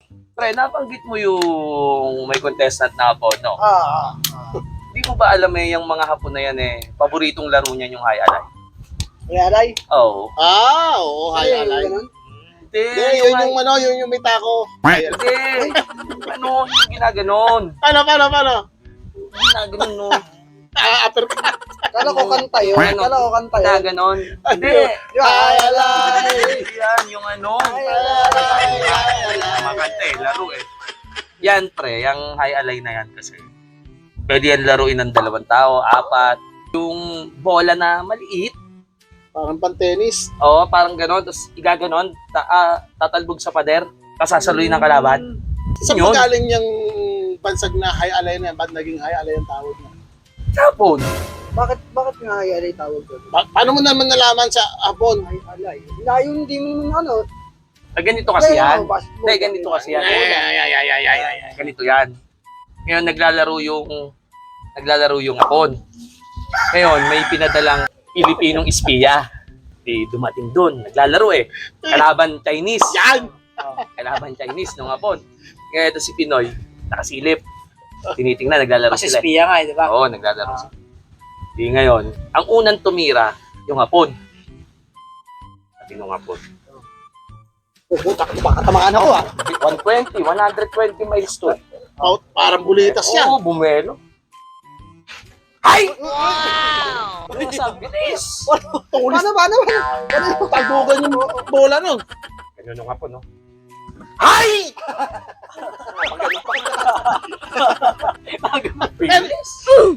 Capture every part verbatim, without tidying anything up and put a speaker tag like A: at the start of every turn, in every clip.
A: Pre, nabanggit mo yung may contestant na hapon, no?
B: Ah, ah.
A: Di mo ba alam eh, yung mga hapon na yan eh, paboritong laro niyan yung high alay?
B: Kaya alay.
A: Oo.
C: Ah, oo,
B: Ay,
C: hay alay.
B: ganun.
A: Hindi,
C: Hindi, yun yung ano, yun yung may tako. Hay alay.
A: Hindi. Ano, yung ginaganon.
C: Paano, paano, paano?
A: Ginaganon, no?
C: Ah, upper
B: Kala ko kanta yun.
A: Ano?
B: Kala ko kanta yun.
A: Ginaganon. Hindi.
B: Yung ay alay.
A: Yan, yung ano.
B: Ay, alay.
A: Makanta eh, laro eh. Yan, pre, yung high alay na yan kasi. Pwede yan laruin ng dalawang tao, apat. Yung bola na maliit,
C: Parang pan-tennis.
A: oo, parang gano'n, tapos igaganon, ta ah, tatalbog sa pader, tapos sasaluin ng kalaban.
C: Saan
A: Yun.
C: magaling yung bansag na hay alay na yan? Ba't naging hay alay ang tawag na?
A: Sapon.
B: Bakit, bakit nga ay alay tawag doon?
C: Pa- paano mo naman nalaman sa hapon?
B: Ay alay. Layo hindi mo naman ano.
A: Ah, ganito kasi yan.
B: Kaya, basketball.
A: Hindi, ganito kasi yan.
C: Ay, ay, ay, ay, ay, ay, ay.
A: Ganito yan. Ngayon, naglalaro yung, naglalaro yung hapon. Ngayon, may pinadalang Pilipinong espiya. Di dumating dun. Naglalaro eh. Kalaban Chinese.
C: Yan!
A: Kalaban Chinese nung hapon. Ngayon, ito si Pinoy, nakasilip. Tinitingnan, naglalaro
B: Kasi
A: sila.
B: spiya nga eh, di ba?
A: Oo, naglalaro sila. Di ngayon, ang unang tumira, yung hapon. Sabi nung hapon.
B: Oh, puta, baka tamaan ako ah.
A: one twenty, one twenty miles to.
C: Pa- parang bulitas yan.
A: Oo, bumelo. Ay! Wow! Ano sabi? Bilis!
C: Tulis.
B: Paano, paano, paano?
C: Tagugan yung bola nun.
A: Ganun nung hapon, no? Ay! Bilis!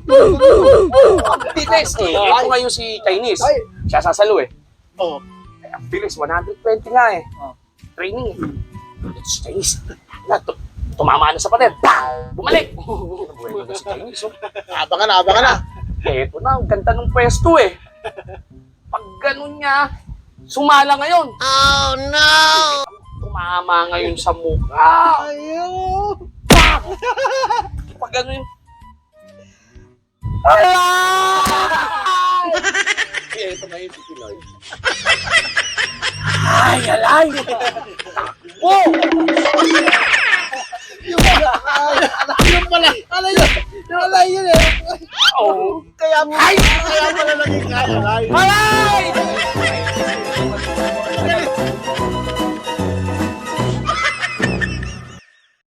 A: Bilis eh. Ito nga yung si Chinese.
B: Ay.
A: Siya sasalo eh.
C: Oh.
A: Ay, ang bilis, one twenty nga eh.
B: Oh.
A: Training eh. Ito si Chinese. Wala, tu- tumama na sa pader. Bang! Bumalik! Buwelo na si Chinese. Oh.
C: Abangan na, abangan na.
A: Eto na, ang ganda ng pwesto eh. Pag ganun niya, sumala ngayon. Oh no! Tumama ngayon sa mukha.
B: Ayaw.
A: Pag ganun yung... Ay! Eto na yung si Pinoy. Ay, alay! Oh!
C: Yung pala, alay yun. Yung alay yun eh.
A: Oh!
C: Kaya, ay, kaya pala naging hay alay.
A: Alay!